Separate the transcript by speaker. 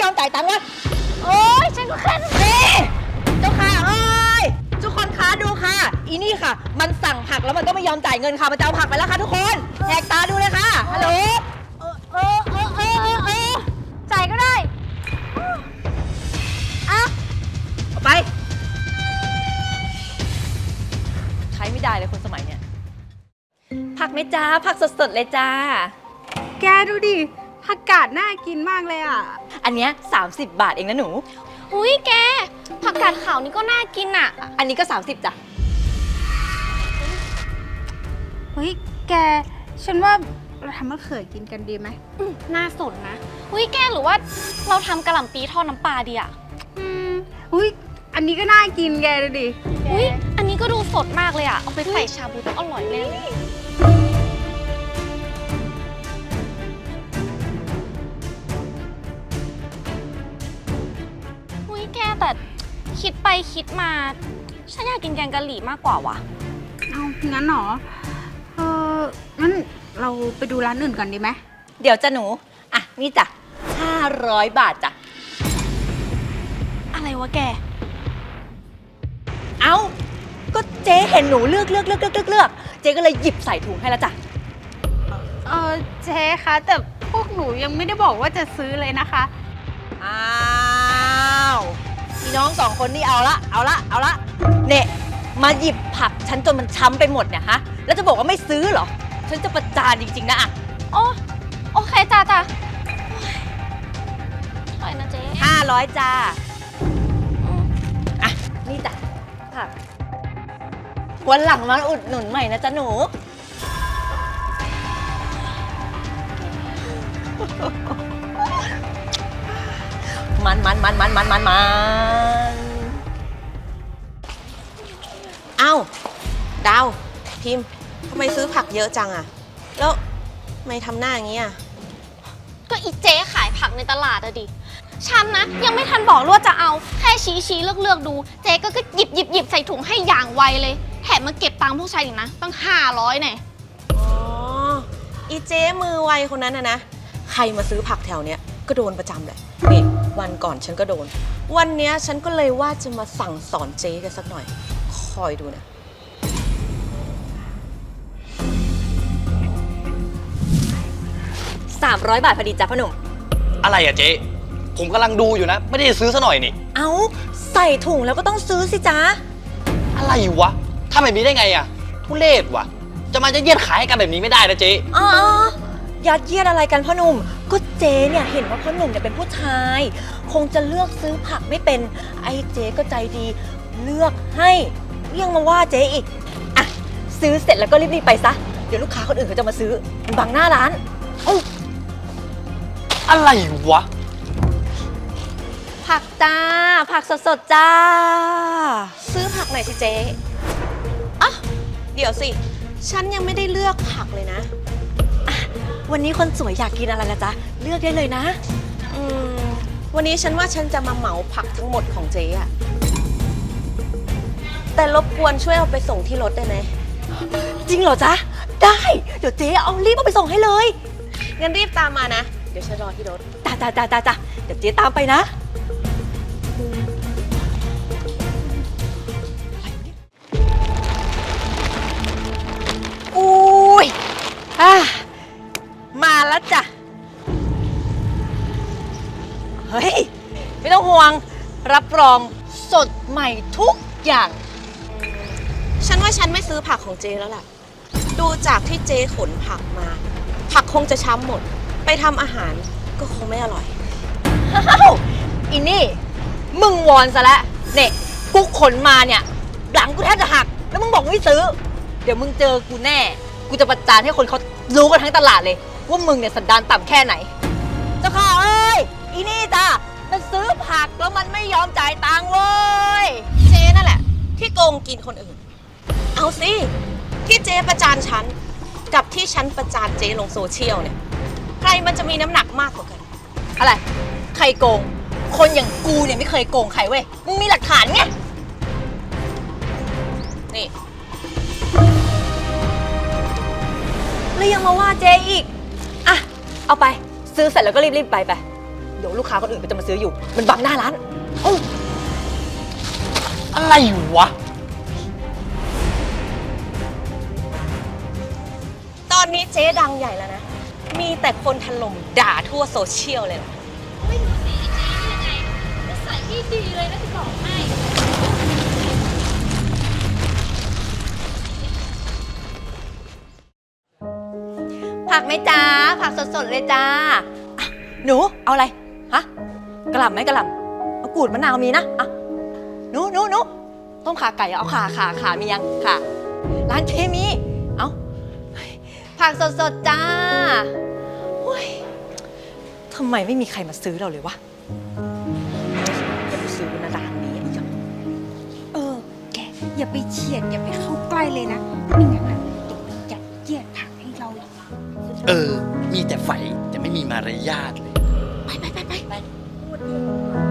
Speaker 1: อมจ่ายตังค์วะโอ๊ยฉันก็แค่นี่เจ้าค่ะเอ้ยทุกคนคะดูค่ะอีนี่ค่ะมันสั่งผักแล้วมันก็ไม่ยอมจ่ายเงินค่ะมันจะเอาผักไปแล้วค่ะทุกคนแหกตาดูเลยค่ะฮัลโหลจ่ายก็ได้เอาไปใช้ไม่ได้เลยคนสมัยเนี้ยผักไหมจ้าผักสดๆเลยจ้า
Speaker 2: แกดูดิผักกาดน่ากินมากเลยอ่ะ
Speaker 1: อันเนี้ย30 บาทเองนะหนู
Speaker 3: อุ้ยแกผักกาดขาวนี่ก็น่ากินอ่ะ
Speaker 1: อันนี้ก็30จ้ะ
Speaker 2: เฮ้ยแกฉันว่าเราทำมะเขือกินกันดีไหม
Speaker 3: น่าสนนะอุ้ยแกหรือว่าเราทำกะหล่ำปีทอดน้ำปลาดีอ่ะ
Speaker 2: อุ้ยอันนี้ก็น่ากินแกดูดิ
Speaker 3: อุ้ยอันนี้ก็ดูสดมากเลยอ่ะเอาไปใส่ชาบูต้องอร่อยแน่เลยอุ้ยแกแต่คิดไปคิดมาฉันอยากกินแกงกะหรี่มากกว่าวะ
Speaker 2: เอางั้นหรองั้นเราไปดูร้านอื่นก่อนดีไหม
Speaker 1: เดี๋ยวจ้ะหนูอ่ะนี่จ้ะ500 บาทจ้ะ
Speaker 3: อะไรวะแก
Speaker 1: เอ้าก็เจ๊เห็นหนูเลือกเจ๊ก็เลยหยิบใส่ถุงให้แล้วจ้ะ
Speaker 2: เจ๊คะแต่พวกหนูยังไม่ได้บอกว่าจะซื้อเลยนะคะ
Speaker 1: อ้าวพี่น้อง2 คนนี่เอาละเนี่ยมาหยิบผักฉันจนมันช้ำไปหมดเนี่ยฮะแล้วจะบอกว่าไม่ซื้อเหรอฉันจะประจานจริงๆนะอ่ะ
Speaker 3: โอเคจ้าเท่าไหร่นะเจ๊
Speaker 1: 500จ้าอ่ะนี่จ้ะผักวันหลังมาอุดหนุนใหม่นะจ๊ะหนูมัน
Speaker 4: เอ้าดาวพิมพ์ทำไมซื้อผักเยอะจังอะแล้วทำไมทำหน้าอย่างนี้อะ
Speaker 3: ก็อีเจ๊ขายผักในตลาดอะดิฉันนะยังไม่ทันบอกว่าจะเอาแค่ชี้เลือกดูเจ๊ก็หยิบใส่ถุงให้อย่างไวเลยแถมมาเก็บตังค์พวกชายอีกนะตั้ง500เนี่ย
Speaker 4: อ๋ออีเจ๊มือไวคนนั้นนะใครมาซื้อผักแถวเนี้ยก็โดนประจำเลยนี่วันก่อนฉันก็โดนวันเนี้ยฉันก็เลยว่าจะมาสั่งสอนเจ๊กันสักหน่อยคอยดูนะ
Speaker 1: 300 บาทพอดีจ้ะพ่อหนุ่ม
Speaker 5: อะไรอะเจ๊ผมกำลังดูอยู่นะไม่ได้ซื้อซะหน่อยนี่
Speaker 1: เอ้าใส่ถุงแล้วก็ต้องซื้อสิจ๊ะ
Speaker 5: อะไรวะทำแบบนี้ได้ไงอะทุเรศวะจะมาจะเยียดขายให้กันแบบนี้ไม่ได้นะเจ๊
Speaker 1: ยัดเยียดอะไรกันพ่อหนุ่มก็เจ๊เนี่ยเห็นว่าพ่อหนุ่มเนี่ยเป็นผู้ชายคงจะเลือกซื้อผักไม่เป็นไอ้เจ๊ก็ใจดีเลือกให้ยังมาว่าเจ๊อีกอ่ะซื้อเสร็จแล้วก็รีบๆไปซะเดี๋ยวลูกค้าคนอื่นเขาจะมาซื้อมันบังหน้าร้าน
Speaker 5: อะไรวะ
Speaker 1: ผักจ้าผักสดๆจ้า
Speaker 4: ซื้อผักหน่อยสิเจ๊อ่ะเดี๋ยวสิฉันยังไม่ได้เลือกผักเลยนะ
Speaker 1: วันนี้คนสวยอยากกินอะไรล่ะจ๊ะเลือกได้เลยนะ
Speaker 4: วันนี้ฉันว่าฉันจะมาเหมาผักทั้งหมดของเจ๊อะแต่รบกวนช่วยเอาไปส่งที่รถได้ไหม
Speaker 1: จริงเหรอจ๊ะได้เดี๋ยวเจ๊เอารีบเอาไปส่งให้เลย
Speaker 4: งั้นรีบตามมานะเดี๋ยวฉันรอที่รถ
Speaker 1: จ้าเดี๋ยวเจ๊ตามไปนะอุ้ยมาแล้วจ้ะเฮ้ยไม่ต้องห่วงรับรองสดใหม่ทุกอย่าง
Speaker 4: ฉันว่าฉันไม่ซื้อผักของเจ๊แล้วล่ะดูจากที่เจ๊ขนผักมาผักคงจะช้ำหมดไปทำอาหารก็คงไม่อร่อย
Speaker 1: อีนี่มึงวอนซะแล้วเนี่ยกูขนมาเนี่ยหลังกูแทบจะหักแล้วมึงบอกไม่ซื้อเดี๋ยวมึงเจอกูแน่กูจะประจานให้คนเขารู้กันทั้งตลาดเลยว่ามึงเนี่ยสันดานต่ำแค่ไหนเจ้าค่ะเอ้ยอีนี่จ้ะมันซื้อผักแล้วมันไม่ยอมจ่ายตังค์เว้ย
Speaker 4: เจ๊นั่นแหละที่โกงกินคนอื่นเอาสิที่เจ๊ประจานฉันกับที่ฉันประจานเจ๊ลงโซเชียลเนี่ยใครมันจะมีน้ำหนักมากกว่ากัน
Speaker 1: อะไรใครโกงคนอย่างกูเนี่ยไม่เคยโกงใครเว้ยมึงมีหลักฐานไง
Speaker 4: นี่
Speaker 1: แล้วยังมาว่าเจ๊อีกอ่ะเอาไปซื้อเสร็จแล้วก็รีบๆไปเดี๋ยวลูกค้าคนอื่นก็จะมาซื้ออยู่ มันบังหน้าร้าน
Speaker 5: อะไรวะ
Speaker 4: ตอนนี้เจ๊ดังใหญ่แล้วนะ มีแต่คนถล่มด่าทั่วโซเชียลเลยล่ะ
Speaker 3: ไม่รู้สิเจ๊นี่ยังไงนิสัยที่ดีเลยนะจะบอกให้
Speaker 1: ผักไหมจ้าผักสดๆเลยจ้าอ่ะหนูเอาอะไรฮะกระหล่ำไหมกระหล่ำเอากูดมะนาวมีนะอ่ะหนูต้มขาไก่เอาขามียังขาร้านเจมีเอาผักสดๆจ้าโอ้ยทำไมไม่มีใครมาซื้อเราเลยวะจะไปซื้อนะร้านนี้อีกอ่ะ
Speaker 2: แกอย่าไปเฉียดอย่าไปเข้าใกล้เลยนะไม่งั้นอะเดี๋ยวมันยัดเยียดผักให้เราอีก
Speaker 5: เออ มีแต่ไฟแต่ไม่มีมารยาทเลย
Speaker 2: ไป